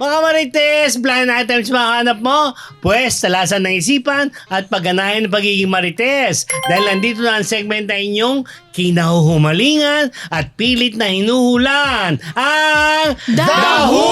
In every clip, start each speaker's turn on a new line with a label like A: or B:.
A: Mga marites, blind items makahanap mo? Pwes, talasan ng isipan at pagganahin ng pagiging marites. Dahil nandito na ang segment na inyong kinahuhumalingan at pilit na hinuhulan. Ang
B: Daho!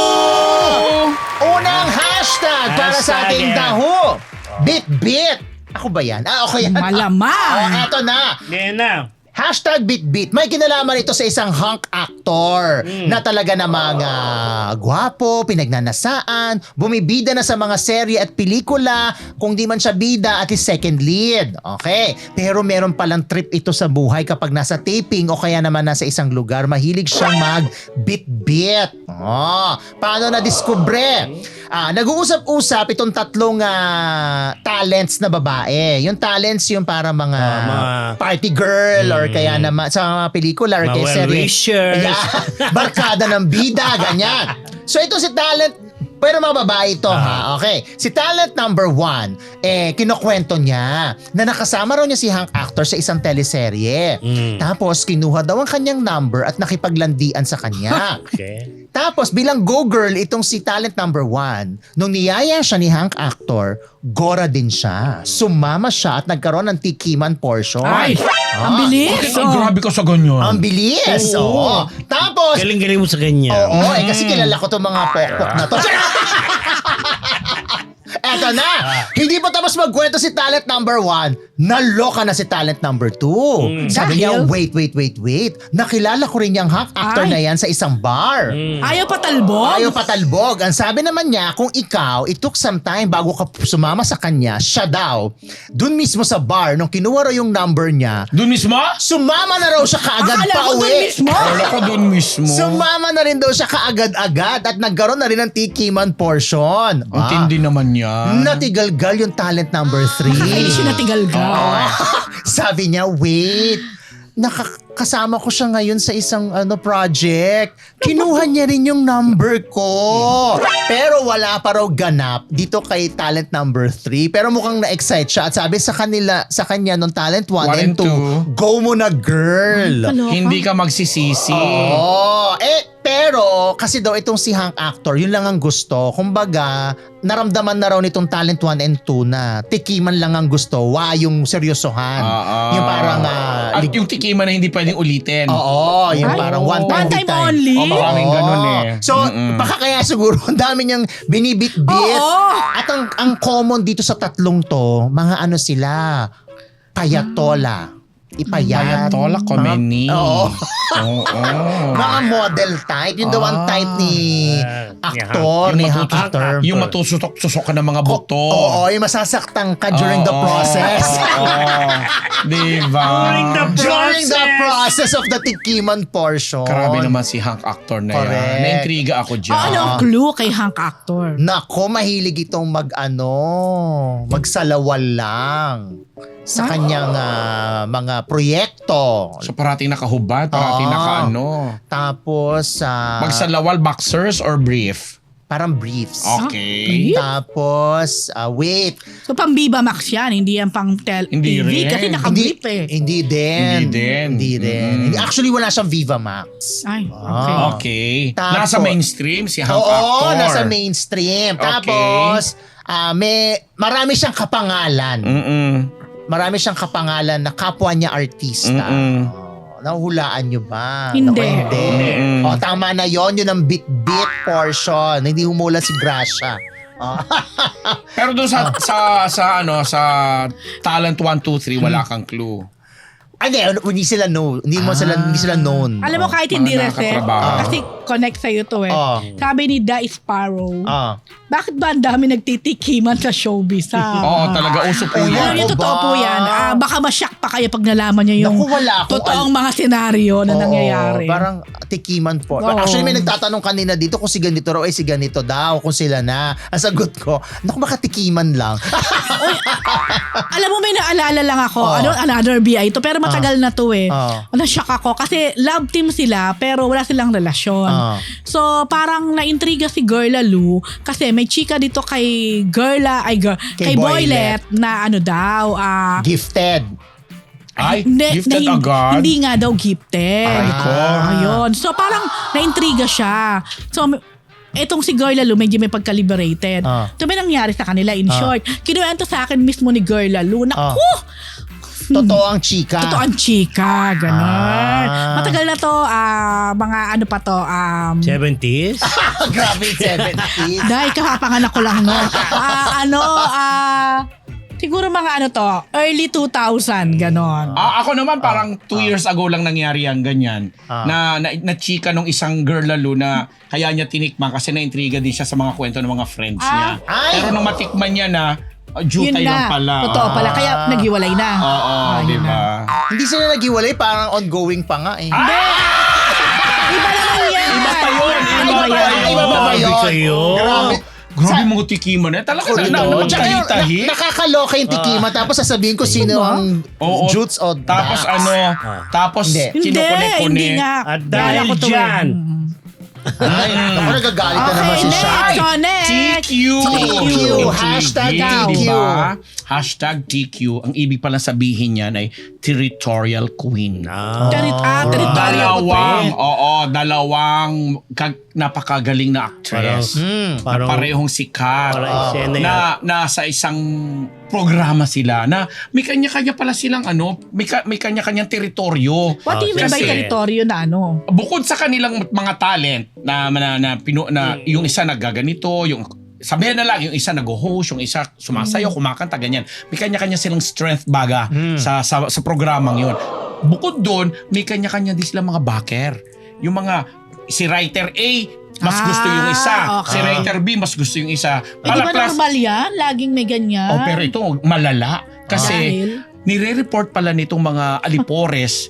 B: Unang hashtag para sa ating Daho. Bit-bit. Ako ba yan? Okay yan.
C: Malamang.
B: Eto na.
A: Yan na.
B: Hashtag Bitbit. May kinalaman ito sa isang hunk actor na talaga namang gwapo, pinagnanasaan, bumibida na sa mga serye at pelikula, kung di man siya bida at second lead. Okay. Pero meron palang trip ito sa buhay kapag nasa taping o kaya naman nasa isang lugar, mahilig siyang mag-bit-bit. Paano na-discover? Nag-uusap-usap itong tatlong talents na babae. Yung talents yung para mga party girl or kaya naman sa mga pelikula or kaya serye.
A: well-wishers.
B: Yeah. Barkada ng bida, ganyan. So ito si talent, pero mga babae ito ha. Okay. Si talent number 1, kinukwento niya na nakasama raw niya si hunk actor sa isang teleserye. Tapos kinuha daw ang kanyang number at nakipaglandian sa kanya.
A: Okay.
B: Tapos bilang go-girl itong si talent number 1, nung niyaya siya ni hunk actor, gora din siya. Sumama siya at nagkaroon ng tikiman portion.
C: Ay, ang bilis.
D: Bakit ang grabe ka sa ganyan?
B: Ang bilis!
A: Oo.
B: Tapos,
A: Galing-galing mo sa ganyan.
B: kasi kilala ko itong mga pokpok na to. Eto na! Hindi pa tapos magkwento si talent number 1, naloka na si talent number 2. Sabi niya,
C: Dahil?
B: wait. Nakilala ko rin yung hunk actor
C: Ay.
B: na yan sa isang bar.
C: Ayaw patalbog?
B: Ayaw patalbog. Ang sabi naman niya, kung ikaw, it took some time bago ka sumama sa kanya, siya daw, dun mismo sa bar, nung kinuha raw yung number niya,
D: Doon mismo?
B: sumama na raw siya kaagad
C: Akala
B: pa
C: ko doon
B: uwi.
C: mismo.
D: Wala ko doon mismo.
B: Sumama na rin daw siya kaagad-agad at nagkaroon na rin ng tikiman portion.
D: Ang tindi naman yan.
B: Natigalgal yung talent number 3.
C: Ay, siya natigalgal.
B: Sabi niya, wait, nakakasama ko siya ngayon sa isang project. Kinuha niya rin yung number ko. Pero wala pa raw ganap dito kay talent number 3. Pero mukhang na-excite siya. At sabi sa kanya nung talent 1 and 2, go mo na girl.
C: Kaloka.
D: Hindi ka magsisisi.
B: Pero kasi daw itong si hunk actor, yun lang ang gusto. Kumbaga, naramdaman na raw nitong talent 1 and 2 na tikiman lang ang gusto, yung seryosohan. Yung parang
D: At yung tikiman na hindi pwedeng ulitin.
B: yung
C: Ay,
B: parang one time,
C: one time only?
D: O maraming ganun eh.
B: So, baka kaya siguro ang dami niyang binibit-bit.
C: Oo.
B: At ang common dito sa tatlong to, mga sila, payatola. Ipayat.
D: Payatola, komeni.
B: Oo.
D: Oo.
B: Mga model type. Yung the one type ni actor, ni hunk actor.
D: Yung matusok-susok ka ng mga buto.
B: Oo, yung masasaktan ka during the process.
D: Diba?
B: During the process of the tikiman portion.
D: Grabe naman si hunk actor na
B: Correct.
D: yan. Naintriga ako dyan.
C: Ano ang clue kay hunk actor?
B: Nako, mahilig itong magsalawal lang sa kanyang mga proyekto.
D: So parating nakahubad, parating nakaano.
B: Tapos,
D: Magsalawal, boxers or brief?
B: parang briefs.
D: Okay.
B: Tapos, wait.
C: So pang Viva Max yan, hindi yan pang
D: Hindi
C: TV
D: rin.
C: kasi naka-brief eh.
B: Hindi din.
D: Hindi din.
B: Actually, wala siyang Viva Max.
C: Ay, okay.
D: Okay.
B: Tapos-
D: Nasa mainstream si hunk
B: Oo,
D: actor.
B: nasa mainstream.
D: Okay.
B: Tapos, marami siyang kapangalan. Marami siyang kapangalan na kapwa niya artista. Nahulaan nyo ba?
C: Hindi.
B: Naku, hindi. Tama na yon, yun ang bit-bit portion. Hindi humula si Gracia.
D: Pero doon sa talent 1, 2, 3 wala kang clue.
B: Hindi sila know. Hindi sila known.
C: Alam mo kahit hindi
D: mga
C: reset,
D: nakatrabaho.
C: kasi connect sa'yo to eh. Sabi ni Da Sparrow, bakit ba ang dami nagtitikiman sa showbiz?
D: Oo, talaga. Uso po
C: Ano
D: yan.
C: yun, totoo
B: ba?
C: po yan. Baka masyak pa kayo pag nalaman niyo yung
B: Naku, wala akong
C: totoong mga senaryo na nangyayari.
B: Parang tikiman po.
C: Oo.
B: Actually, may nagtatanong kanina dito kung si ganito raw, si ganito daw, kung sila na. Ang sagot ko, naku, baka tikiman lang.
C: Alam mo, may naalala lang ako. Another BI to. Pero matagal na to eh. Na-shock ako. Kasi love team sila, pero wala silang relasyon. So, parang na-intriga si Girla Lou kasi may chika dito kay kay Boylet na
B: Gifted.
D: Ay, gifted agad?
C: Hindi nga daw gifted.
D: Ay, ko.
C: Ayun. So, parang na-intriga siya. So, etong si Girl Lalo medyo may pagka-liberated. Ito may nangyari sa kanila in short. Kinuwento sa akin mismo ni Girl Lalo. Naku!
B: Totoo ang chika.
C: Totoo ang chika, gano'n. Matagal na to, mga ano pa to,
A: 70s?
B: Grabe, 70s.
C: dahil kapapanganak ko lang, no? Siguro mga ano to, early 2000, gano'n.
D: Ako naman parang 2 years ago lang nangyari ang ganyan. Na chika nung isang girl lalo na kaya niya tinikman kasi na-intriga din siya sa mga kwento ng mga friends niya. Pero nung matikman niya na, jutay lang pala.
C: Totoo pala, kaya naghiwalay na.
D: Oo, di ba?
B: Hindi sila naghiwalay, parang ongoing pa nga eh.
C: Iba naman yan.
D: Iba pa yun.
B: Iba pa ba yun?
A: Grabe.
D: Grabe mga tikiman eh. Talaga napagkahitahi.
B: Nakakaloka yung tikima tapos sasabihin ko sino ang Jutes o
D: Tapos
B: Dax.
D: tapos
C: Hindi
D: kinukunik-kunik.
C: nga.
A: At dahil dyan,
B: Ay, ako nagagalit na naman si Shai.
C: next.
D: TQ.
B: TQ. Hashtag TQ.
D: Diba? Hashtag TQ. Ang ibig palang sabihin niyan ay Territorial Queen. Dalawang napakagaling na actress.
A: parang
D: Parehong sikat.
A: parang eksena yan.
D: Nasa isang programa sila na may kanya-kanya pala silang may kanya-kanyang teritoryo.
C: What do you mean by
D: Kasi-
C: teritoryo na ano?
D: Bukod sa kanilang mga talent na yung isa naggaganito, yung sabihin na lang, yung isa nag-host, yung isa sumasayaw, kumakanta, ganyan. May kanya-kanya silang strength baga sa programang yun. Bukod doon, may kanya-kanya din silang mga backer. Yung mga, si writer A, mas gusto yung isa.
C: Okay.
D: Si writer B, mas gusto yung isa.
C: Di ba normal yan? Laging may ganyan.
D: Pero ito, malala. Kasi,
C: Dahil?
D: nire-report pala nitong mga alipores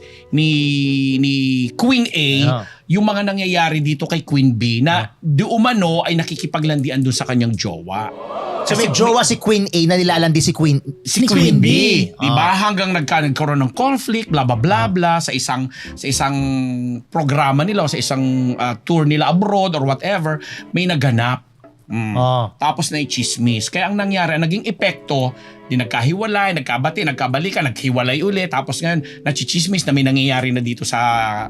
D: ni Queen A yung mga nangyayari dito kay Queen B na di umano ay nakikipaglandian doon sa kanyang jowa.
B: So may jowa si Queen A na nilalandi si Queen
D: Queen B, di ba? Hanggang nagkaroon ng conflict, bla bla bla bla sa isang programa nila o sa isang tour nila abroad or whatever, may naganap. Tapos na i-chismis. Kaya ang nangyari, naging epekto, di nagkahiwalay, nagkabati, nagkabalikan, naghiwalay ulit. Tapos ngayon, nachichismis na may nangyayari na dito sa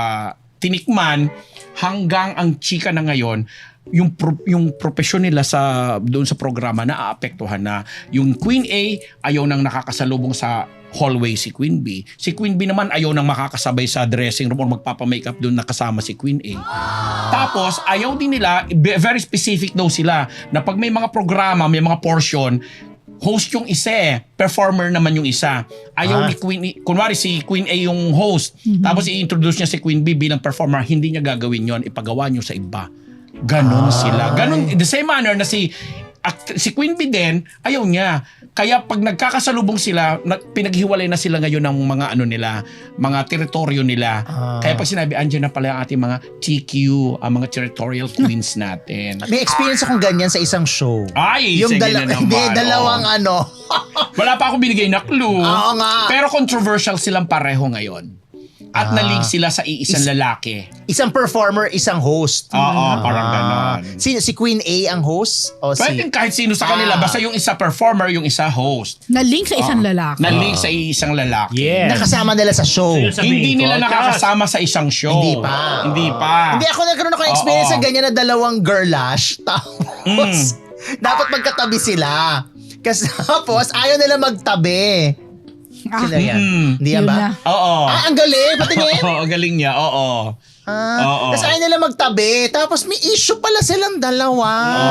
D: tinikman hanggang ang chika na ngayon, yung profesyon nila doon sa programa na aapektuhan na. Yung Queen A, ayaw nang nakakasalubong sa hallway si Queen B. Si Queen B naman ayaw nang makakasabay sa dressing room or magpapamakeup doon nakasama si Queen A. Tapos ayaw din nila, very specific daw sila, na pag may mga programa, may mga portion, host yung isa performer naman yung isa. Ayaw ni Queen, kunwari si Queen A yung host, tapos i-introduce niya si Queen B bilang performer, hindi niya gagawin yon, ipagawa niyo sa iba. Ganon sila. Ganon, the same manner na si Queen B din, ayaw niya. Kaya pag nagkakasalubong sila, pinaghiwalay na sila ngayon ng mga mga teritoryo nila. Kaya pag sinabi, andyan na pala ang ating mga TQ, ang mga territorial queens natin.
B: May experience akong ganyan sa isang show.
D: Ay,
B: Yung
D: sige na naman.
B: dalawang
D: Wala pa ako binigay na clue.
B: Oo nga.
D: Pero controversial silang pareho ngayon. At nalig sila sa iisang lalaki.
B: Isang performer, isang host.
D: Oo, parang ganon.
B: Si Queen A ang host? O
D: Pwede kahit sino sa kanila. Basta yung isa performer, yung isa host.
C: Na-link sa isang lalaki.
D: Nalig sa isang lalaki.
A: yes.
B: nakasama nila sa show.
A: So, sabihin
D: Hindi
A: ko,
D: nila
A: Chas,
D: nakakasama sa isang show.
B: Hindi pa. Hindi ako nagkaroon ng experience
D: Oo.
B: sa ganyan na dalawang girlash. Tapos, dapat magkatabi sila. Kasi tapos, ayaw nila magtabi. Sila yan. Hindi yan
C: Yun
B: ba?
C: na.
D: Oo.
B: Ang galing. Patingin.
D: Oo, ang galing niya. Oo. Oo.
B: Tapos ayaw nila magtabi. Tapos may issue pala silang dalawa.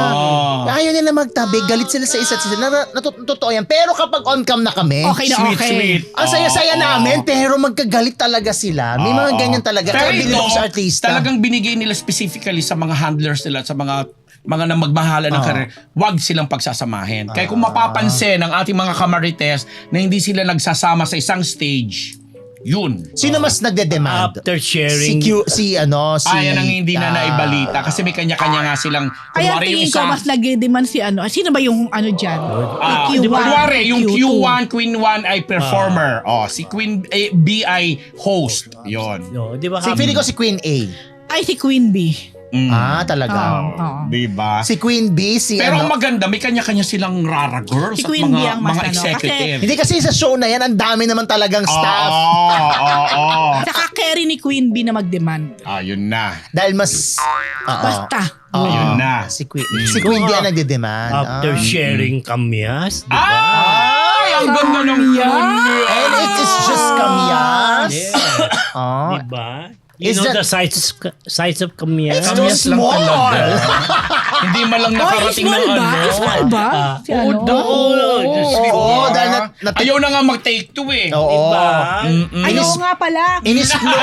B: Ayaw nila magtabi. Galit sila sa isa't isa. Totoo yan. Pero kapag on-cam na kami,
C: Okay na okay.
B: ang saya-saya namin, pero magkagalit talaga sila. May mga ganyan talaga.
D: Pero
B: Kaya bilib ako sa artista.
D: talagang binigay nila specifically sa mga handlers nila, sa mga na magmahala ng career, wag silang pagsasamahin. Kaya kung mapapansin ng ating mga kamarites na hindi sila nagsasama sa isang stage, yun.
B: Sino mas nagde-demand?
A: After sharing,
B: Si
D: Yan ang hindi na naibalita kasi may kanya-kanya nga silang,
C: Kaya
D: kunwari yung
C: tingin ko
D: isa,
C: mas nag-demand si ano. Sino ba yung ano dyan? Q1,
D: kunwari yung
C: Q2.
D: Q1, Queen 1 ay performer. Si Queen B ay host. Yun.
A: no, di ba?
B: Si Pili ko si Queen A.
C: Ay, si Queen B.
B: Talaga.
C: Oo.
D: Diba?
B: Si Queen B,
D: Pero ang maganda, may kanya-kanya silang rara girls
C: Si
D: at
C: Queen B ang mas
D: mga
C: ano,
D: executive.
B: Hindi kasi sa show na yan, ang dami naman talagang staff.
D: Oo.
C: Saka carry ni Queen Bee na mag-demand.
D: Ayun na.
B: Dahil mas...
C: Basta.
D: Ayun na.
B: Si Queen Bee ang nagde-demand.
A: After sharing kamyas, di ba?
D: Ay, ang ganda ng
B: And it is just kamyas.
A: Yeah.
B: Ah.
A: Di ba?
B: Is
A: You know
B: that-
A: the size of kamyas?
B: It's too
D: Kamyas lang
B: small.
D: talaga. Hindi man lang nakarating ng
C: Small ba?
D: ano.
C: Small ba? Si ano?
B: Oo, dahil
D: Ayaw na nga mag-take two eh.
B: Oo.
A: Diba?
C: Ayaw nga pala.
B: Inisplot.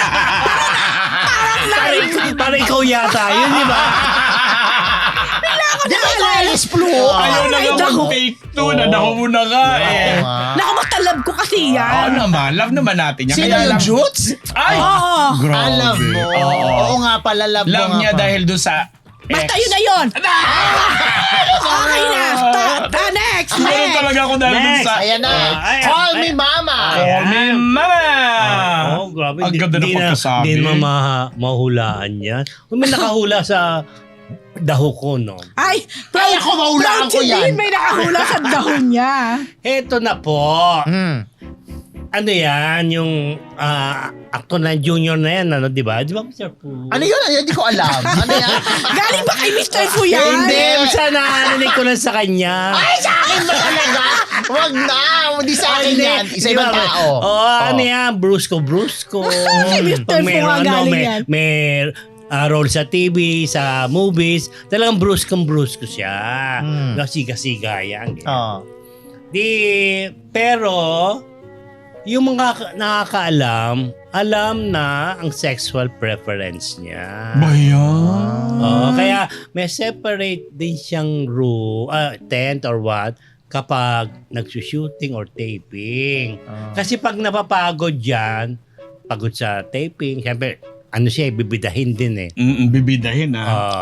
A: Para ikaw yata yun, di ba?
B: Di ba ikaw inisplot?
D: Ayaw na
C: Ay,
D: nga
C: daho.
D: mag-take two. Nadaho mo na nga eh.
C: Naku, matalab ko kasi
D: Oo
C: yan.
D: naman. Love naman natin yan.
B: Sino
D: Kaya
B: yung
D: lang-
B: Jutes?
D: Ay!
C: Oo.
D: Grabe.
B: Alam mo.
D: Oo.
B: Oo nga pala, love mo
D: Love
B: nga
D: niya
B: pa.
D: dahil doon sa
C: Basta
D: ex.
C: yun na yun. Okay na. Stop. Next.
D: Meron
C: Next.
D: talaga ako dahil doon
A: Next.
D: sa...
B: Ayan na.
A: Ay,
B: Call
A: ay,
B: me mama.
D: Call me mama!
A: Oh, grabe.
D: Ang ganda ng pagkasabi.
A: Hindi naman mahulaan yan. Kung may nakahula sa daho ko, no?
C: Ay,
B: Kaya ko mahulaan
C: proud
B: ko
C: si
B: yan.
C: Dean, may nakahula sa dahon niya.
A: Eto na po. Ano yan? Yung actor na junior na yan, ano, di ba? Di ba, Mr. Fu?
B: Ano yun? Hindi ko alam. Ano yan?
C: Galing ba kay Mr. Fu yan?
A: Hindi, basta narinig ko lang sa kanya.
B: Ay, sa akin ba talaga? Wag na. Hindi sa akin yan. Isa ibang tao.
A: Ano yan? Brusco.
C: Kay Mr. Fu nga galing yan.
A: May role sa TV, sa movies. Talagang brusko siya. Siga-siga yan.
B: Oh.
A: Pero, yung mga nakakaalam, alam na ang sexual preference niya.
D: Bayan.
A: Kaya may separate din siyang tent or what kapag nagsushooting or taping. Kasi pag napapagod yan, pagod sa taping, siyempre, ano siya, bibidahin din eh.
D: Bibidahin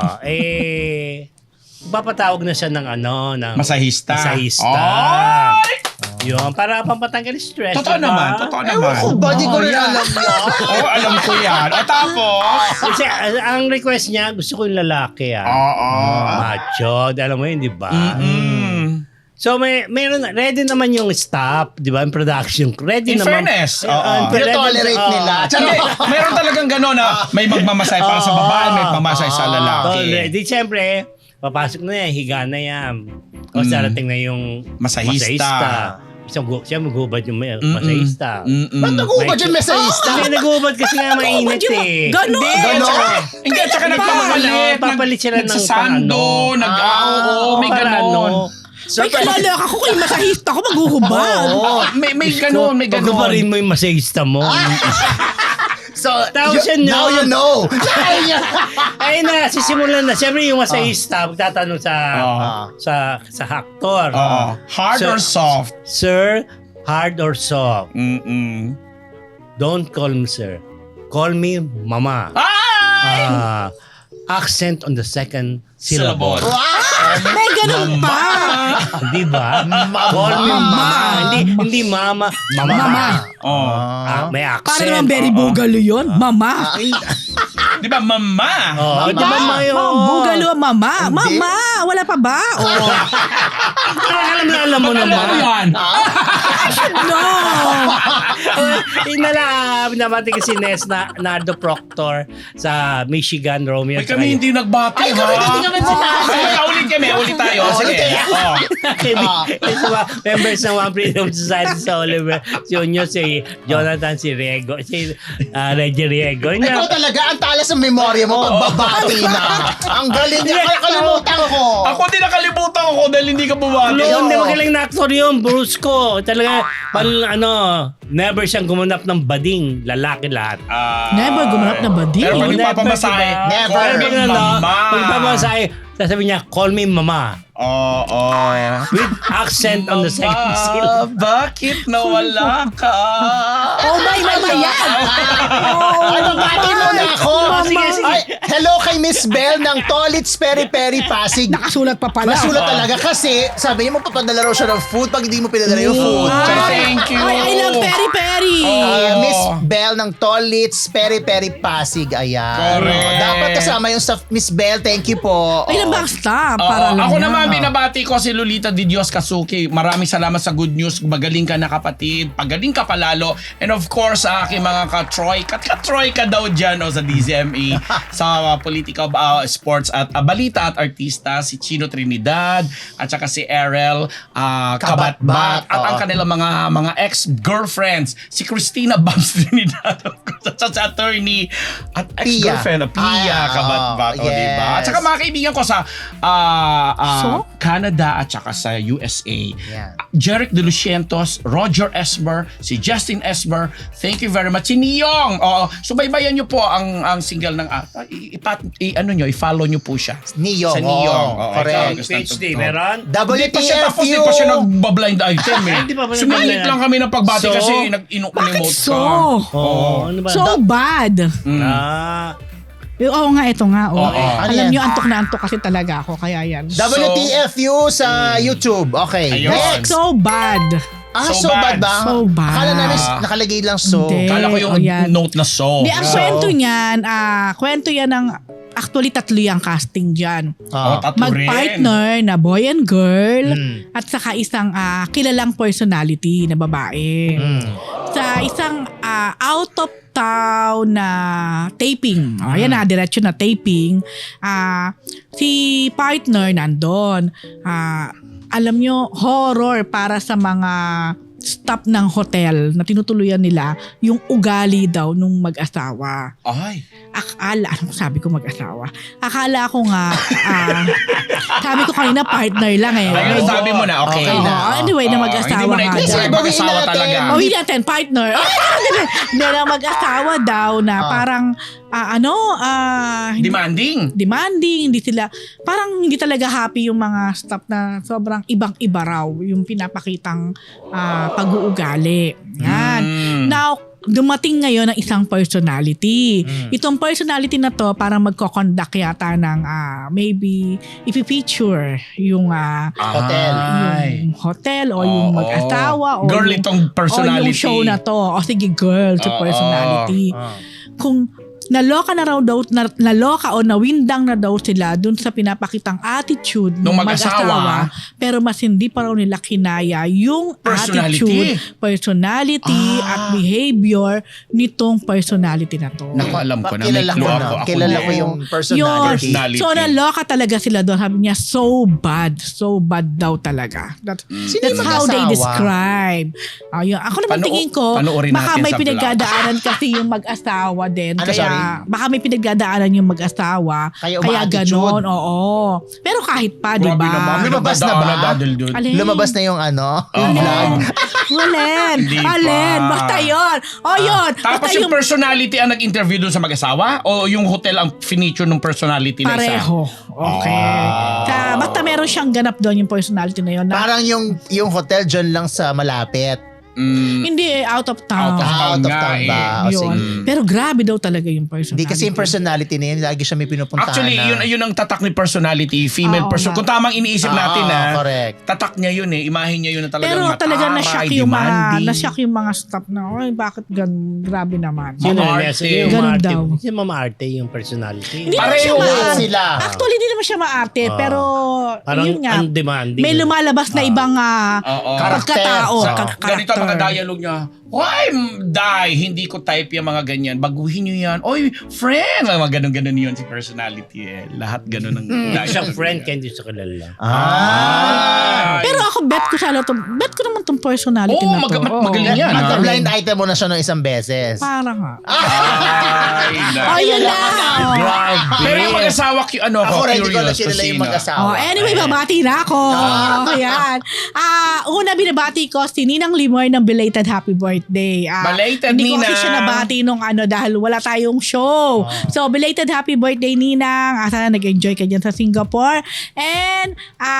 A: Papatawag na siya ng ng
D: Masahista.
A: Masahista.
D: Ay!
A: Yun, para pampatanggal stress.
D: Totoo
A: diba?
D: naman. Totoo naman.
B: Ewan ko ba? Di ko rin
A: yan.
B: alam yan.
D: Oo, alam ko yan. O tapos?
A: Kasi ang request niya, gusto ko yung lalaki
D: Oo.
A: Macho. Alam mo yun, di ba? So meron ready naman yung staff, di ba? In production. Ready
D: In
A: naman.
D: fairness, oo.
B: Pinotolerate nila.
D: Hindi, meron talagang gano'n na may magmamasay para sa babae, may magmamasay sa lalaki.
A: Di siyempre, papasok na yan, higa na yan. O darating na yung
D: Masahista.
A: Siya maghubad yung masahista.
B: Ba't nag-ubad yung mesahista?
A: Hindi, naghubad kasi nga mainit eh.
C: Ganon.
B: Ganon.
D: Hindi, at saka nagpapalit.
A: Papalit sila ng
D: nagsasando, may gano'n.
C: May kalala ako kung yung masahista ko maghuhubad.
D: May gano'n, may gano'n.
A: Pagkubarin mo yung masahista mo.
B: So,
A: Tapos yun,
B: now
A: no?
B: you know.
A: Ayun na, sisimulan na. Siyempre yung masahista, magtatanong sa aktor.
D: Hard
A: Sir-
D: or soft?
A: Sir, hard or soft? Don't call me sir. Call me mama.
D: Ay!
A: Accent on the second syllable.
C: May ganun pa.
A: Di ba? Call me mama. Hindi mama. Mama. May accent.
C: Para naman very bugalo yun. Mama.
D: Di ba, mama?
A: Di ba mayo?
C: Bugalo ang mama. Mama. Wala pa ba?
A: Alam mo naman.
D: yan?
C: No.
A: Pinabati ko si Nardo Proctor sa Michigan, Romeo.
D: Ay, kami hindi nagbati, ha?
B: Hindi kami sinabi.
D: Ay, ulit tayo. Sige.
A: Members ng One Freedom Society sa Oliver, si Unyo, si Jonathan, si Riego, si Reggie Riego.
B: Ikaw talaga, ang talas ng memorya mo pagbabati na. Ang galing niya. Kalimutan ko.
D: Ako din nakalimutan ko dahil hindi ka bumati.
A: Hindi magaling na actor yun, Brusco. Talaga, never siyang gumanap ng bading, lalaki lahat.
C: Never gumanap na ba di?
D: Pero pag nagpapamasahe,
B: Never.
D: call me mama.
A: Pag nagpapamasahe, sasabihin niya, call me mama. With accent on the second syllable.
D: Bakit nawala ka?
C: Oh my mama yan.
B: Ay, babati mo na ako.
A: Sige, sige.
B: Ay, hello kay Miss Bell ng Tolits Peri Peri Pasig.
C: Nakasulat pa pala.
B: Masulat talaga kasi sabi niya mo papadala raw siya ng food pag hindi mo pinadala yung food.
D: Thank you.
C: Ay, I love peri-peri.
B: Miss Bell ng Tolits, Peri Peri Pasig. Ayan.
D: Correct.
B: Dapat kasama yung sa Miss Bell. Thank you po.
C: Ay, na ba stop?
D: Oo,
C: Para lang
D: ako
C: yan.
D: naman, binabati ko si Lolita Di Dios Kasuki. Maraming salamat sa good news. Magaling ka na kapatid. Pagaling ka palalo. And of course, sa aking mga ka-Troy ka daw dyan sa DZME, sa politika, sports at balita at artista, si Chino Trinidad, at saka si Errol Kabatbat, at ang kanilang mga ex-girlfriends, si Christina Bams Trinidad, sa attorney, at ex-girlfriend, Pia Kabatbat,
B: yes.
D: diba? At saka mga kaibigan ko sa
C: So?
D: Canada at saka sa USA.
B: Yeah.
D: Jeric De Lucientos, Roger Esmer, si Justin Esmer, thank you very much. Si Niyong, subaybayan niyo po ang single ng i-follow niyo po siya.
B: Niyong,
D: Sa Niyong.
B: oo, correct.
A: PhD, meron?
D: Hindi pa siya tapos,
B: WTFU.
D: di pa siya nagbablind item eh.
A: Hindi pa ba
D: Sumilit
A: nagbablind
D: lang kami ng pagbati
A: So?
D: kasi
C: Bakit
D: nag-emote
C: so?
D: ka.
A: Ano ba?
C: So bad. Oo nga, ito nga. Oh.
D: Oo.
B: Ano
C: Alam
B: yan?
C: nyo, antok na antok kasi talaga ako. Kaya yan.
B: WTFU sa YouTube. Okay.
D: Ayun.
B: Next.
C: So bad.
B: So
D: So
B: bad
D: bad.
B: ba?
C: So bad.
B: Akala namin nakalagay lang so.
C: Hindi.
D: Kala ko yung
C: Yan.
D: note na so.
C: Di, ang kwento yan ng, actually tatlo yung casting dyan.
D: Tatlo rin.
C: Mag-partner na boy and girl
B: Mm.
C: at saka isang kilalang personality na babae. Sa isang out of town na taping. Ayan na, diretso na taping. Si partner nandun. Alam nyo, horror para sa mga staff ng hotel na tinutuluyan nila yung ugali daw nung mag-asawa.
D: Ay.
C: Anong sabi ko mag-asawa? Akala ko nga, sabi ko kanina partner lang eh.
D: Ayun, sabi mo na, okay
B: Okay
D: na.
B: na.
C: Anyway, na mag-asawa
D: Hindi mo na
C: nga
D: itutuloy
C: daw.
D: mag-asawa
B: Bawiin
D: talaga.
B: natin.
C: Hindi natin, partner. Hindi na mag-asawa daw na parang, demanding, hindi sila, parang hindi talaga happy yung mga staff na sobrang ibang-iba raw yung pinapakitang pag-uugali. Yan. Now, dumating ngayon ang isang personality. Itong personality na to parang magko-conduct yata ng maybe i-feature yung
B: Hotel.
C: yung hotel o yung mag-asawa o
D: Girl,
C: yung,
D: itong personality.
C: o yung show na to. O sige, girl to personality. Kung naloka o nawindang na daw sila dun sa pinapakitang attitude ng
D: Nung mag-asawa,
C: pero mas hindi pa raw nila kinaya yung
D: Personality.
C: personality at behavior nitong personality na to.
D: Naku, alam ko na. May
B: Kilala ko
D: clue
B: na.
D: ako.
B: Kilala ko yung personality.
D: Personality.
C: So naloka talaga sila doon. Sabi niya, so bad daw talaga.
B: Sino
C: That's
B: yung
C: how they
B: mag-asawa?
C: describe. Ayun. Ako naman tingin ko,
D: panoorin
C: baka
D: natin
C: may
D: sa
C: pinagdadaanan kasi yung mag-asawa din.
B: Ano,
C: Kaya
B: sorry?
C: baka may pinagdadaanan yung mag-asawa.
B: Kaya
C: Kaya
B: uma-attitude.
C: ganon, oo. Pero kahit pa, di
D: Grabe
C: ba?
D: naman.
B: Lumabas na ba?
C: Alin?
B: Lumabas na yung yung
D: Oo.
B: vlog.
C: Walen.
D: Hindi pa.
C: Alin. Basta yun. O yun.
D: Tapos
C: Basta
D: yung personality ang nag-interview dun sa mag-asawa? O yung hotel ang finiture ng personality na isa?
C: pareho. Okay. Basta meron siyang ganap doon yung personality na yun. Na,
B: Parang yung hotel dyan lang sa malapit.
C: hindi out of town.
B: Out of town ba? O,
C: Yun.
B: sige.
C: Pero grabe daw talaga yung personality.
B: Hindi kasi yung personality na yun, lagi siya may pinupuntahan
D: Actually,
B: na.
D: yun ang tatak ni personality, female
C: Oo
D: person.
C: nga.
D: Kung tamang iniisip natin
B: correct.
D: tatak niya yun imahe niya yun na talagang
C: Pero
D: mataray,
C: talaga na-shock yung
D: demanding.
C: yung mga staff na, ay bakit grabe naman.
A: Sino
D: Mama
A: yun?
D: Arte.
A: Yung
C: Ganun
A: Mama Arte.
C: daw.
A: Si Mama Arte yung personality.
C: Hindi naman siya
D: Pareho
C: maarte.
B: sila.
C: Actually, hindi naman siya maarte. Pero,
A: Parang
C: yun nga,
A: undemanding.
C: may lumalabas na ibang
D: Oo.
C: pagkatao.
B: Karakter.
D: Ganito ang mga dialogue niya. Why, Day, hindi ko type yung mga ganyan. Baguhin nyo yan. Oy, friend! Mga ganun-ganun yun si personality eh. Lahat ganun ang
A: Isang friend, hindi sa kilala.
C: Pero ako, bet ko naman tong personality
D: Oo,
C: na to.
D: magaling yan.
B: Magka-blind item mo na siya ng isang beses.
C: Parang nga.
D: Ay,
C: Oh, yun na.
D: Pero yung mag-asawa,
B: Ako rin, hindi ko na
D: curious
B: kilala
D: kung
B: yung
D: sino.
B: mag-asawa.
C: Anyway, babati na ako. Ayan. Una, binabati ko si Ninang Limoy ng belated happy birthday.
D: Belated,
C: hindi ko kasi
D: Ninang.
C: siya nabati nung dahil wala tayong show. So, belated happy birthday, Ninang. Sana nag-enjoy ka dyan sa Singapore. And,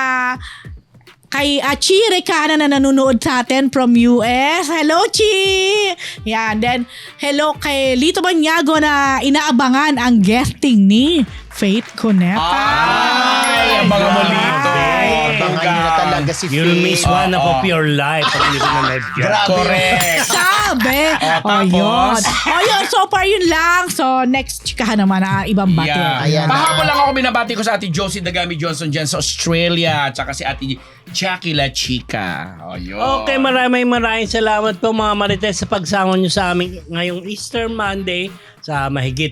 C: kay Chi Recana na nanonood sa atin from US. Hello, Chi! Yan. Then, hello kay Lito Banyago na inaabangan ang guesting ni Faith Cuneta.
D: Ay, abangan mo Lito.
B: Abangan nyo na talaga si
A: You'll miss
B: Faith.
A: one of your life pag hindi ko na live yan.
B: Grabe.
D: Correct.
C: Saan? Grabe.
D: tapos?
C: Yun. So far yun lang. So next chikahan naman na ibang bati.
D: Yeah.
B: Ayan.
D: Pahapon lang ako binabati ko sa Ate Josie Dagami Johnson dyan sa Australia. Tsaka si Ate Jackie La Chica. Ayun.
A: Okay, maraming salamat po mga Marites sa pagsama nyo sa amin ngayong Easter Monday sa mahigit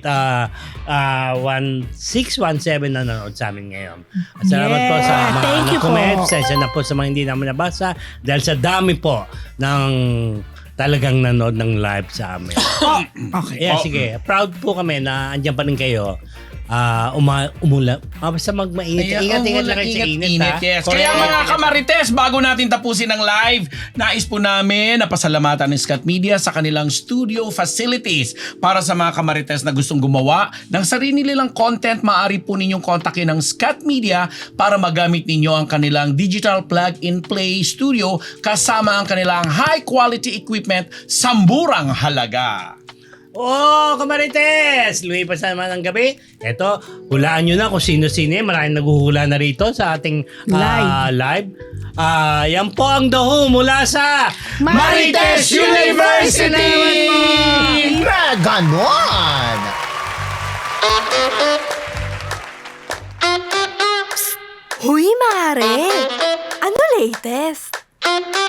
A: 1617 na nanonood sa amin ngayon. At salamat po sa mga
C: thank you po.
A: comment. Sensya na po sa mga hindi naman nabasa dahil sa dami po ng talagang nanood ng live sa amin.
C: Okay.
A: Yeah, sige. Proud po kami na andyan pa rin kayo. Umula. Basta magmainit. Ingat lang kayo sa init. Ha?
D: Yes.
A: Correct.
D: Kaya mga kamarites, bago natin tapusin ang live, nais po namin na pasalamatan ng Scott Media sa kanilang studio facilities. Para sa mga kamarites na gustong gumawa ng sarili nilang content, maaari po ninyong kontakin ng Scott Media para magamit ninyo ang kanilang digital plug-and-play studio kasama ang kanilang high-quality equipment sa murang halaga.
A: Kamarites! Lumipas na naman ang gabi. Eto, hulaan nyo na kung sino-sino. Maraming naghuhula na rito sa ating live. Yan po ang The Who mula sa
C: Marites
A: University!
B: Na ganon!
E: Huy, Mare! Ano latest?